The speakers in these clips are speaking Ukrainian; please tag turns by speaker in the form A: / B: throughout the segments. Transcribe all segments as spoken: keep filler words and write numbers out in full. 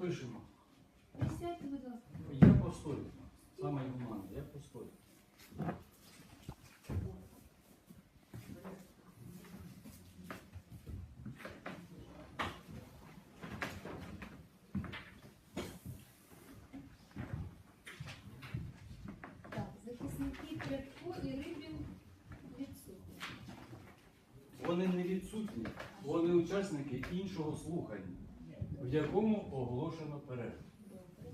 A: запишемо.
B: Присядьте, будь ласка.
A: Я постою. Саме гуманне, я постою.
B: Так, захисники Прядко і Рибін відсутні.
A: Вони не відсутні, вони учасники іншого слухання, в якому оголошено перерву.
B: Добре.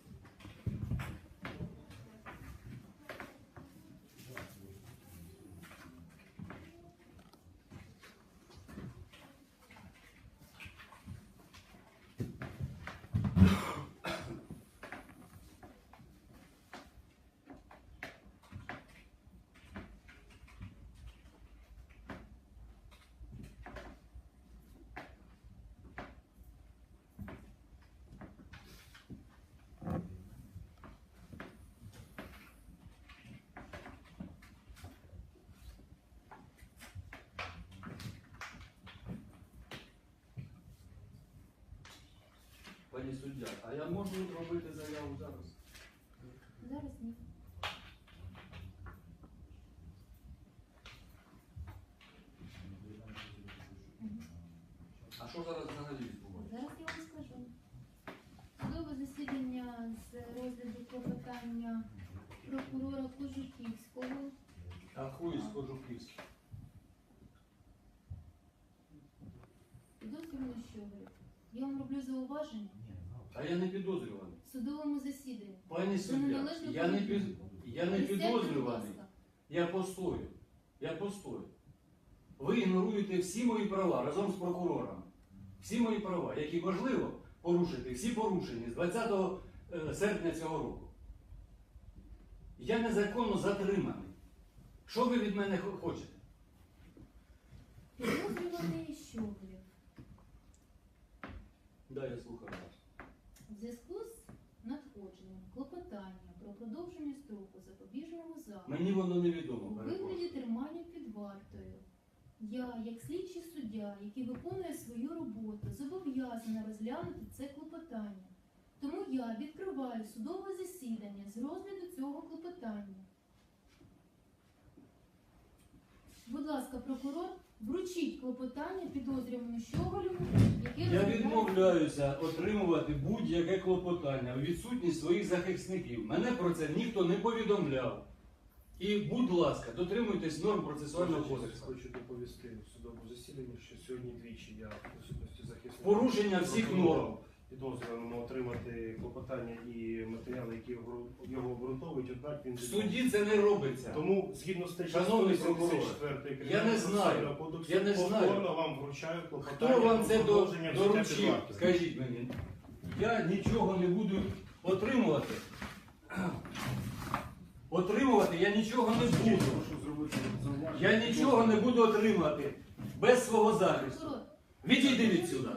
A: Пані суддя, а я можу робити заяву зараз?
B: Зараз ні.
A: А що зараз взагалі відбувається?
B: Зараз я вам скажу. Судове засідання з розгляду клопотання прокурора Кожухівського.
A: А хуй з Кожухівським.
B: Підозрювано Щоголів. Я вам роблю зауваження
A: А я не підозрюваний.
B: в судовому засіданні.
A: Пані
B: Це
A: суддя,
B: неналежно
A: я не, під...
B: поведінка.
A: я не
B: Присядьте, будь
A: підозрюваний.
B: ласка.
A: Я постою. Я постою. Ви ігноруєте всі мої права разом з прокурором. Всі мої права, які можливо порушити, всі порушені з двадцятого серпня цього року. Я незаконно затриманий. Що ви від мене хо- хочете?
B: Підозрюваний Щоголів.
A: Да, я слухаю вас.
B: В зв'язку з надходженням клопотання про продовження строку запобіжного заходу
A: Мені воно
B: у
A: невідомо,
B: вигляді
A: перепрошую.
B: тримання під вартою, я, як слідчий суддя, який виконує свою роботу, зобов'язана розглянути це клопотання. Тому я відкриваю судове засідання з розгляду цього клопотання. Будь ласка, прокурор, вручіть клопотання підозрюваному Щоголеву, яке
A: Я
B: розглядає-
A: відмовляюся отримувати будь-яке клопотання у відсутність своїх захисників. Мене про це ніхто не повідомляв. І, будь ласка, дотримуйтесь норм процесуального кодексу.
C: Хочу доповісти в судовому засіданні, що сьогодні двічі я в присутності захисника
A: Порушення всіх норм.
C: підозрюваному отримати клопотання і матеріали, які його- його обґрунтовують, однак він
A: В суді це не робиться.
C: Тому, згідно статті
A: Шановний
C: сто вісімдесят
A: я не знаю.
C: кодексу,
A: Я не знаю.
C: повторно вам вручаю клопотання.
A: Хто вам
C: про
A: це до-
C: продовження взяття під
A: доручив?
C: варту.
A: Скажіть мені. Я нічого не буду отримувати. Отримувати я нічого не буду.
C: Прошу зробити зауваження.
A: Я нічого не буду отримувати без свого захисту.
B: Прокурор,
A: Відійди від сюди.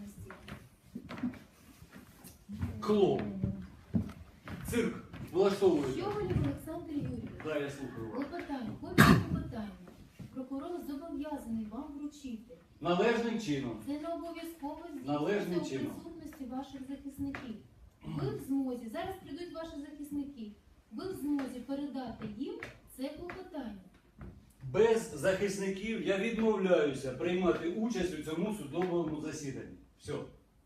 A: Клоун. Цирк влаштовує.
B: Щоголів Олександр Юрійович.
A: Да, я слухаю вас.
B: Клопотання, копію клопотання. Прокурор зобов'язаний вам вручити.
A: Належним чином.
B: Це не обов'язково
A: Належним
B: здійснюється у
A: чином.
B: присутності ваших захисників. Ви в змозі, зараз прийдуть ваші захисники, ви в змозі передати їм це клопотання.
A: Без захисників я відмовляюся приймати участь у цьому судовому засіданні. Все.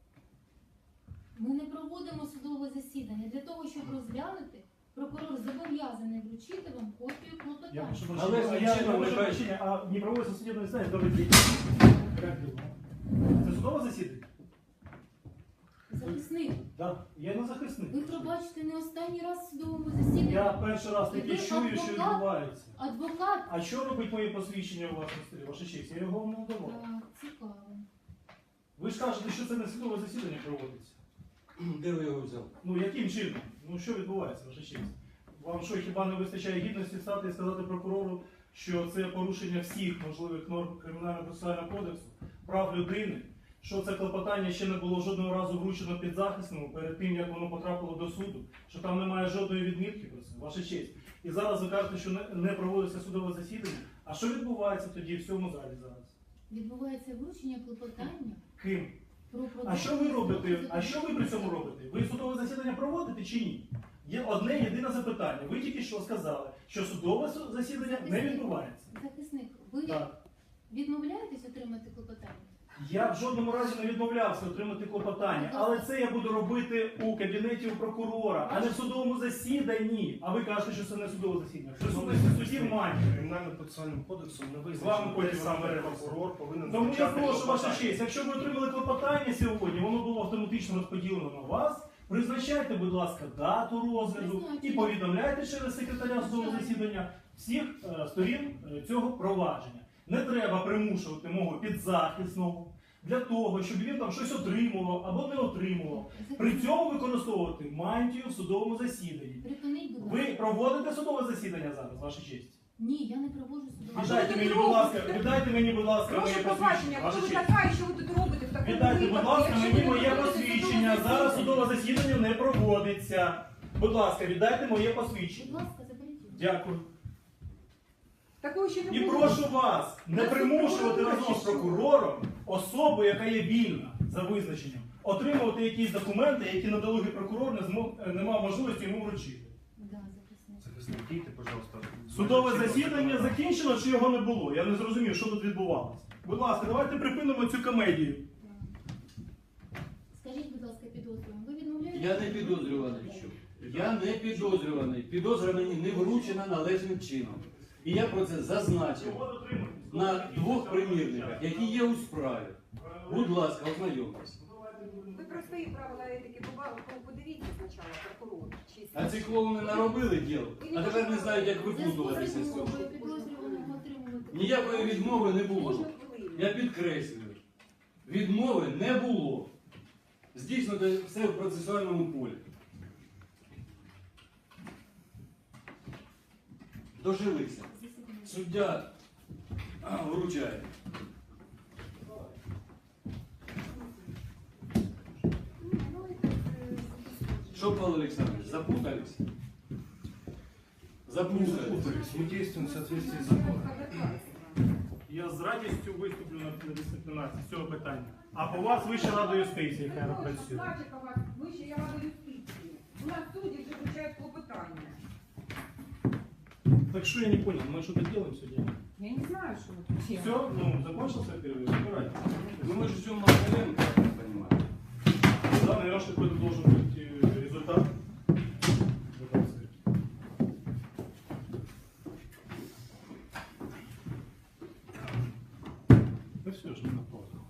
B: Ми не проводимо судове засідання. Для того, щоб розглянути, прокурор зобов'язаний вручити вам копію
D: Я
B: клопотання.
D: прошу
A: Але
D: прощения, а я
A: чином
D: прошу
A: нехай-
D: прощения, а не проводится судебное заседание, добрый день. Как дела? Це судове засідання?
B: Захисник,
D: Да. Я не захисник.
B: ви пробачите не останній раз в судовому засіданні.
D: Я перший раз таки
B: Ви
D: чую, що
B: адвокат?
D: відбувається.
B: Адвокат.
D: А що робить моє посвідчення у вас на столі? Ваша честь, я його вам не давав.
B: Так, цікаво.
D: Ви ж кажете, що це не судове засідання проводиться.
A: Де ви його взяли?
D: Ну яким чином? Ну що відбувається, ваша честь? Вам що, хіба не вистачає гідності стати і сказати прокурору, що це порушення всіх можливих норм Кримінально-процесуального кодексу, прав людини, що це клопотання ще не було жодного разу вручено підзахисному перед тим, як воно потрапило до суду, що там немає жодної відмітки про це, ваша честь. І зараз ви кажете, що не- не проводиться судове засідання. А що відбувається тоді в цьому залі зараз?
B: Відбувається вручення клопотання
D: Ким?
B: про
D: А
B: продовження
D: що ви робите?
B: строку
D: А що ви при цьому робите? Ви судове засідання проводите чи ні? Є одне єдине запитання. Ви тільки що сказали, що судове су- засідання не відбувається.
B: Захисник, ви
D: Так.
B: відмовляєтесь отримати клопотання?
D: Я в жодному разі не відмовлявся отримати клопотання, але це я буду робити у кабінеті у прокурора, а не в судовому засіданні. А ви кажете, що це не судове засідання. В присутності судів має.
C: Кримінально-процесуальним кодексом не
D: З вами
C: визначено,
D: потім
C: де саме
D: розберемося.
C: прокурор повинен
D: Тому я
C: визначати
D: прошу ваша
C: клопотання.
D: честь, якщо ви отримали клопотання сьогодні, воно було автоматично розподілено на вас. Призначайте, будь ласка, дату розгляду і повідомляйте через секретаря судового засідання всіх е, сторін е, цього провадження. Не треба примушувати мого підзахисного для того, щоб він там щось отримував або не отримував. При цьому використовувати мантію в судовому засіданні.
B: Припиніть, будь
D: Ви
B: ласка.
D: проводите судове засідання зараз, ваша честь?
B: Ні, я не проводжу судове.
D: Віддайте мені, будь ласка, віддайте мені, будь ласка, моє
E: Прошу
D: посвідчення.
E: побачення,
D: Ваша
E: хто ви
D: честь.
E: така і що ви тут робите в такому
D: Віддайте, будь
E: випадку,
D: ласка,
E: якщо
D: мені
E: ви
D: моє
E: не проводите
D: посвідчення.
E: судове
D: Зараз
E: засідання?
D: судове засідання не проводиться. Будь ласка, віддайте моє
B: Будь
D: посвідчення.
B: ласка, заберіть його.
D: Дякую.
E: Такого ще не
D: І
E: було.
D: прошу вас не
E: Та
D: примушувати
E: прокурор
D: разом з
E: чи що?
D: прокурором особу, яка є вільна за визначенням, отримувати якісь документи, які надалугий прокурор не змог не мав можливості йому вручити.
B: Да, захисник.
C: Захисник, дійте, пожалуйста.
D: Судове
C: Майже всі
D: засідання
C: клопотання.
D: закінчено чи його не було? Я не зрозумів, що тут відбувалося. Будь ласка, давайте припинимо цю комедію.
B: Скажіть, будь ласка, підозрюваний, ви відмовляєтесь?
A: Я не підозрюваний. Я не підозрюваний. Підозра мені не вручена належним чином. І я про це зазначив на двох примірниках, які є у справі. Будь ласка, ознайомтесь.
E: Ви про свої правила етики побачили, подивіться спочатку прокурор. чи
A: А ці клоуни наробили діло, а тепер не знають, як
B: У зв'язку з
A: випутуватися з цього.
B: відмовою підозрюваного отримувати
A: Ніякої відмови не було.
E: Можна хвилину.
A: Я підкреслюю, відмови не було. Здійснити все в процесуальному полі. Дожилися.
B: засідання.
A: Суддя а, вручає.
E: Ні, ну, це, е,
A: Що, Павло Олександрович, запутались? Запутались.
C: Запутались. Мы действуем в соответствии с
E: це
C: законом.
E: адекватно.
D: Я з радістю виступлю на на дисциплінації з цього питання. А по вас Вища рада юстиції, яка
E: Ну,
D: працює.
E: значить, у вас вище я рада юстиції. У нас судді вже вручають клопотання.
D: Так что я не понял, мы что-то делаем сегодня?
E: Я не знаю, що ви тут.
D: Все, ну, закончился перерыв, забирайте.
A: Ну мы же ждем Макаренко, я так понимаю.
D: Да, наверное, какой-то должен быть э, результат. Ну все, ж не на паузу.